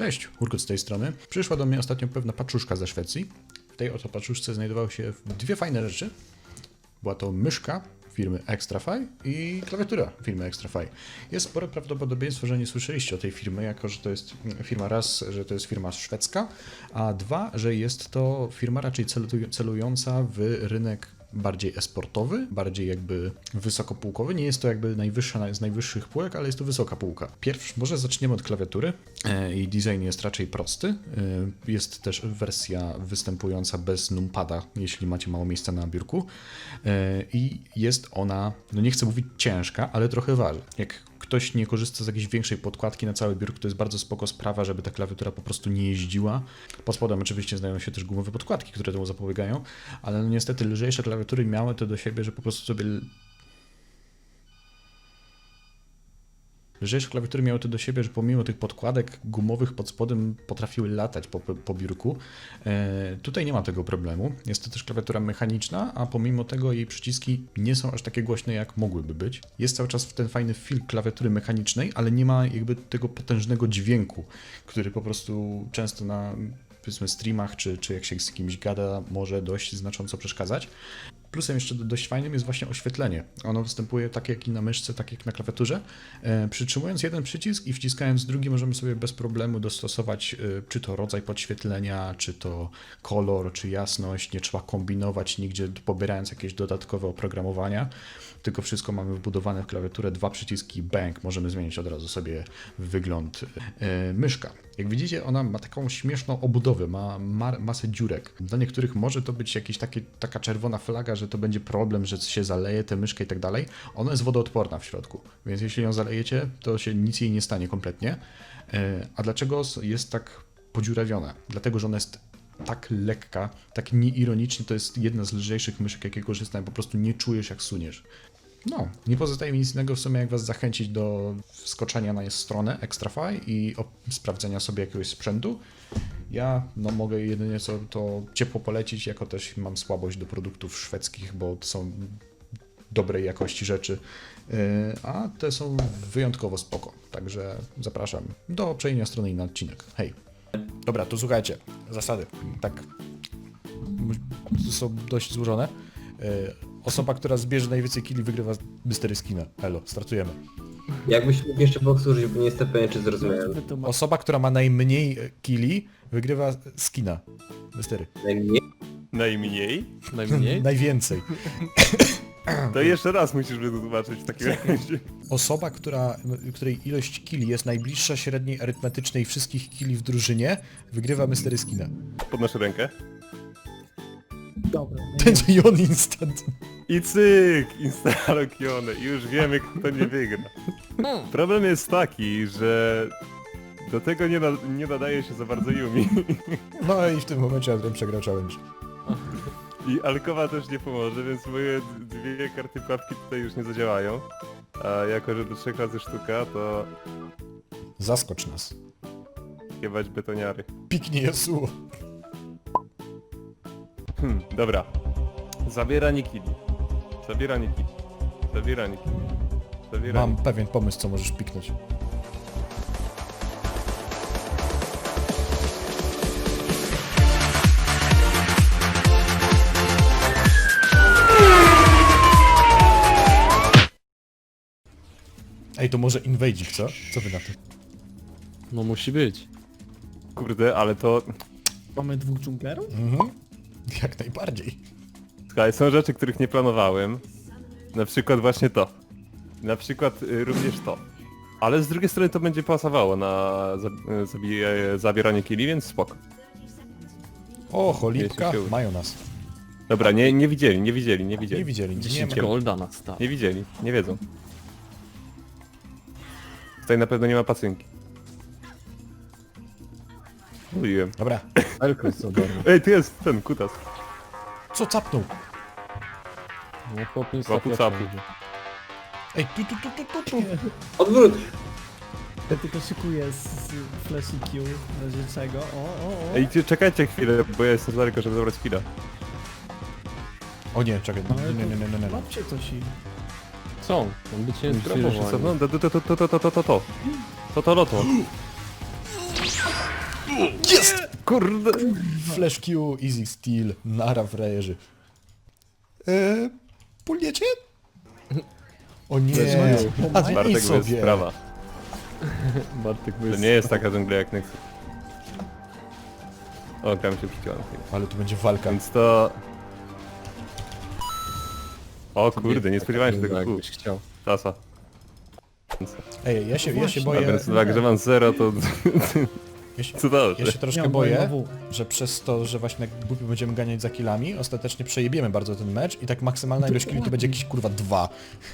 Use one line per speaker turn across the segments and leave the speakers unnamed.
Cześć, Urkut z tej strony. Przyszła do mnie ostatnio pewna paczuszka ze Szwecji. W tej oto paczuszce znajdowały się dwie fajne rzeczy. Była to myszka firmy Extrafy i klawiatura firmy Extrafy. Jest spore prawdopodobieństwo, że nie słyszeliście o tej firmy, jako że to jest firma raz, że to jest firma szwedzka, a dwa, że jest to firma raczej celująca w rynek bardziej esportowy, bardziej jakby wysokopółkowy. Nie jest to jakby najwyższa z najwyższych półek, ale jest to wysoka półka. Może zaczniemy od klawiatury. Jej design jest raczej prosty. Jest też wersja występująca bez numpada, jeśli macie mało miejsca na biurku. I jest ona, no nie chcę mówić ciężka, ale trochę waży. Jak ktoś nie korzysta z jakiejś większej podkładki na cały biurko, to jest bardzo spoko sprawa, żeby ta klawiatura po prostu nie jeździła. Pod spodem oczywiście znajdują się też gumowe podkładki, które temu zapobiegają, ale no niestety lżejsze klawiatury miały to do siebie, że po prostu sobie... Lżejsze klawiatury miały to do siebie, że pomimo tych podkładek gumowych pod spodem potrafiły latać po biurku. Tutaj nie ma tego problemu. Jest to też klawiatura mechaniczna, a pomimo tego jej przyciski nie są aż takie głośne, jak mogłyby być. Jest cały czas ten fajny feel klawiatury mechanicznej, ale nie ma jakby tego potężnego dźwięku, który po prostu często na, powiedzmy, streamach, czy jak się z kimś gada, może dość znacząco przeszkadzać. Plusem jeszcze dość fajnym jest właśnie oświetlenie. Ono występuje tak jak i na myszce, tak jak na klawiaturze. Przytrzymując jeden przycisk i wciskając drugi możemy sobie bez problemu dostosować czy to rodzaj podświetlenia, czy to kolor, czy jasność. Nie trzeba kombinować nigdzie, pobierając jakieś dodatkowe oprogramowania, tylko wszystko mamy wbudowane w klawiaturę, dwa przyciski, bang, możemy zmienić od razu sobie wygląd. Myszka. Jak widzicie, ona ma taką śmieszną obudowę, ma masę dziurek. Dla niektórych może to być taka czerwona flaga, że to będzie problem, że się zaleje tę myszkę i tak dalej. Ona jest wodoodporna w środku, więc jeśli ją zalejecie, to się nic jej nie stanie kompletnie. A dlaczego jest tak podziurawiona? Dlatego, że ona jest tak lekka, tak nieironicznie, to jest jedna z lżejszych myszek, jakie korzystam, po prostu nie czujesz, jak suniesz. No, nie pozostaje mi nic innego w sumie, jak was zachęcić do wskoczenia na stronę Extrafy i sprawdzenia sobie jakiegoś sprzętu. Ja mogę jedynie co to ciepło polecić, jako też mam słabość do produktów szwedzkich, bo to są dobrej jakości rzeczy, a te są wyjątkowo spoko. Także zapraszam do przejrzenia strony i na odcinek. Hej! Dobra, to słuchajcie, zasady. Tak, są dość złożone. Osoba, która zbierze najwięcej killi, wygrywa Mystery Skina. Elo, startujemy.
Jakbyś mógł jeszcze powtórzyć, bo nie jestem pewien, czy zrozumiałem.
Osoba, która ma najmniej killi, wygrywa skina. Mystery.
Najmniej?
Najmniej?
Najmniej?
Najwięcej.
To jeszcze raz musisz wytłumaczyć w takim razie.
Osoba, której ilość killi jest najbliższa średniej arytmetycznej wszystkich killi w drużynie, wygrywa Mystery Skina.
Podnoszę rękę.
Dobra.
Będzie on instant.
I cyk! Instalokione. I już wiemy, kto nie wygra. Problem jest taki, że do tego nie nadaje się za bardzo Yumi.
No i w tym momencie Adrian przegrał challenge.
I Alkowa też nie pomoże, więc moje dwie karty pułapki tutaj już nie zadziałają. A jako, że do 3 razy sztuka, to
Zaskocz nas.
jebać betoniary.
Piknie Yasuo.
Dobra. Zabieranie killi. Zabieranie killi. Zabieranie killi. Zabieranie.
Mam pewien pomysł, co możesz piknąć. Ej, to może inwadzik, co? Co wy na to?
No musi być.
Kurde, ale to...
Mamy dwóch dżunglerów?
Mhm. Jak najbardziej.
Słuchaj, są rzeczy, których nie planowałem. Na przykład właśnie to. Na przykład również to. Ale z drugiej strony to będzie pasowało na zabieranie killi, więc spoko.
O, cholipka,
Jeśli się uda.
mają nas.
Dobra, nie widzieli.
Nie widzieli, nie
10
ma.
golda na start.
Nie widzieli, nie wiedzą. Tutaj na pewno nie ma pacynki. Mówiłem.
Dobra.
Elko jest ogarnął.
Ej, tu jest ten kutas.
Co capnął?
No chłop nie
Łapu
stawia
capu.
wszędzie.
Ej, tu.
Odwrót!
Ja tylko szykuję z Flash Q w razie czego. O.
Ej, czekajcie chwilę, bo ja jestem za daleko, żeby zabrać chwilę.
O nie, czekaj,
Ale
nie.
Łapcie coś i...
Są, on by cię
Myślę, że
zgrabował.
no, to loto.
Jest!
Kurde!
Flash Q, Easy Steel, nara frajerzy. Pulniecie? O nie, a zmień
Bartek, to jest
sobie.
sprawa.
Bartek
To nie jest taka dżungla jak Nexus. O, tam się przyciąłem.
Ale tu będzie walka.
Więc to... O kurde, nie spodziewałem się tego kół.
jakbyś chciał.
Tasa.
Ej, ja się
A
boję,
więc tak, że mam 0 to... Co dobrze.
ja się troszkę
Ja
boję,
mam W.
że przez to, że właśnie jak głupi będziemy ganiać za killami, ostatecznie przejebiemy bardzo ten mecz i tak maksymalna ilość killi to będzie jakieś kurwa 2.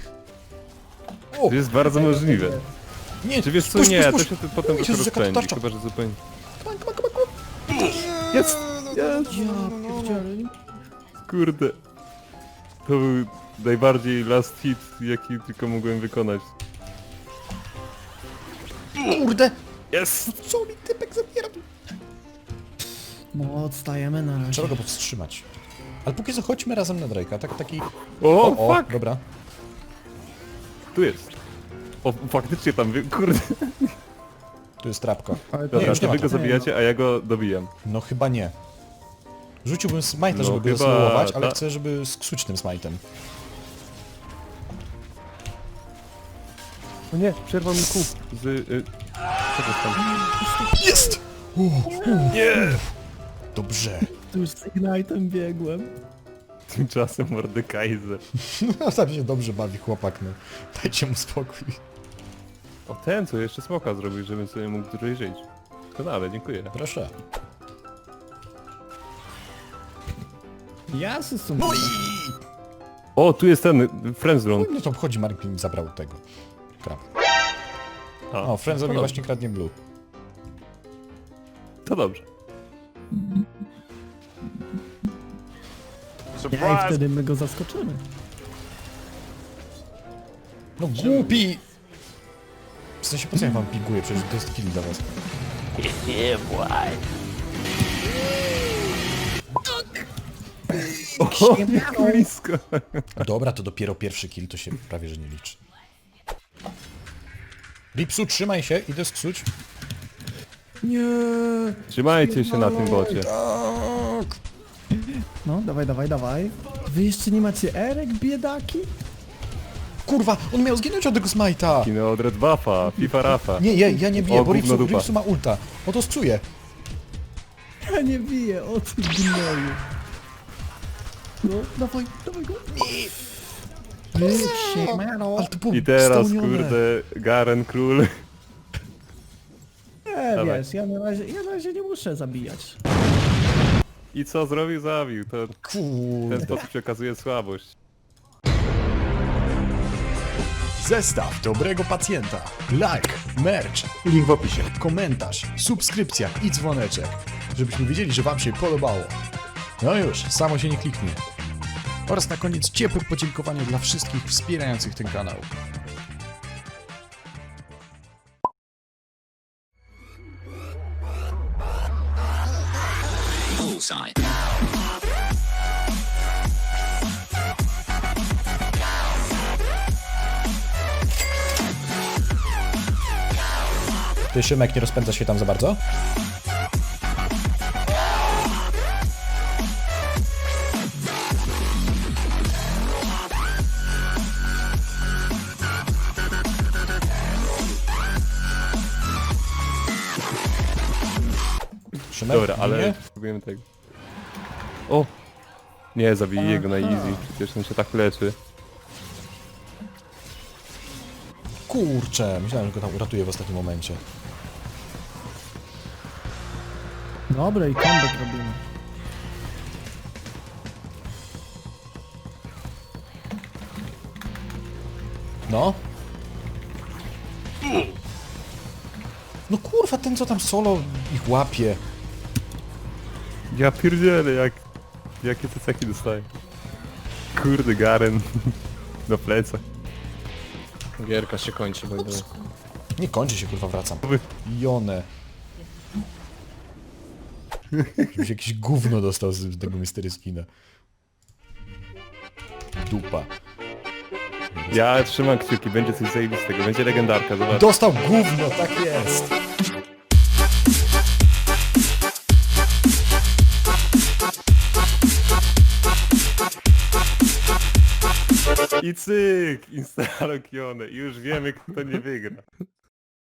O!
To jest bardzo możliwe.
Nie,
Czy wiesz co,
puść,
nie,
puść,
to
puść.
się potem
Jezus,
to
jaka to
rozpędzi,
tarcza.
chyba że zupełnie...
Come on, come on, come on, come on.
Jest!
Ja pierdzielę.
Kurde. To był najbardziej last hit, jaki tylko mogłem wykonać.
Kurde!
Jest!
Co mi typek zabiera?
No, odstajemy na razie.
Trzeba go powstrzymać. Ale póki co chodźmy razem na Drake'a, taki...
O, fuck!
Dobra.
Tu jest. O, faktycznie tam, kurde.
Tu jest trapka.
Ale
Dobra,
już nie
to
ma
wy go
to.
zabijacie, a ja go dobijam.
No chyba nie. Rzuciłbym smite'a,
No
żeby go
chyba
zasłowować, ale
ta-
chcę, żeby sksuć tym smite'em.
O nie, przerwał mi kół z... Czego tam?
Jest! Nie! Dobrze.
Tu już z Ignite'em biegłem.
Tymczasem Mordekaiser.
No tam się dobrze bawi chłopak, no. Dajcie mu spokój.
O, ten co jeszcze smoka zrobił, żebym sobie mógł dłużej żyć. Doskonale, dziękuję.
Proszę.
Ja się
No i...
O, tu jest ten, Friendzone.
No to obchodzi, Mark mi zabrał tego. Krab.
A,
O, Friendzowi
to
właśnie kradnie blue.
To dobrze.
Ja i wtedy my go zaskoczymy.
No głupi! W sensie po co ja wam piguję? Przecież to jest kill dla was.
O, blisko.
Dobra, to dopiero pierwszy kill, to się prawie że nie liczy. Ripsu, trzymaj się, idę sksuć.
Nie.
Trzymajcie się na tym bocie.
Tak!
No, dawaj, dawaj, dawaj. Wy jeszcze nie macie Erek, biedaki?
Kurwa, on miał zginąć od tego smite'a!
Kino od Red Buffa, FIFA Rafa.
Nie, ja nie biję,
O,
bo
gówno dupa.
Ripsu ma ulta. O to scuje.
Ja nie biję, o ty gnoju. No, dawaj, dawaj go. Siemano.
Ale to było
I teraz,
spełnione.
kurde, Garen Król.
Nie,
Dawaj.
wiesz, ja na razie nie muszę zabijać.
I co zrobił? Zabił. To w ten
Kurde.
sposób się okazuje słabość.
Zestaw dobrego pacjenta. Like, merch, link w opisie, komentarz, subskrypcja i dzwoneczek. Żebyśmy wiedzieli, że wam się podobało. No już, samo się nie kliknie. Oraz na koniec ciepłe podziękowanie dla wszystkich wspierających ten kanał.
Bullseye.
Ty, Szymek, nie rozpędza się tam za bardzo? Szymek,
Dobra, ale
nie?
spróbujemy tego. O! Nie, zabiję go na easy, przecież on się tak leczy.
Kurczę, myślałem, że go tam uratuję w ostatnim momencie.
Dobra, i comeback robimy.
No. No kurwa, ten co tam solo ich łapie.
Ja pierdzielę, jakie te ceki dostaję. Kurde, Garen. Na plecach.
Gierka się kończy, bo idę.
Nie kończy się, kurwa, wracam. Jone. Żebyś jakiś gówno dostał z tego Mystery Skina. Dupa.
Ja trzymam kciuki, będzie coś zajebistego, będzie legendarka, zobacz.
Dostał gówno, tak jest.
I cyk! Instalokione. I już wiemy, kto nie wygra.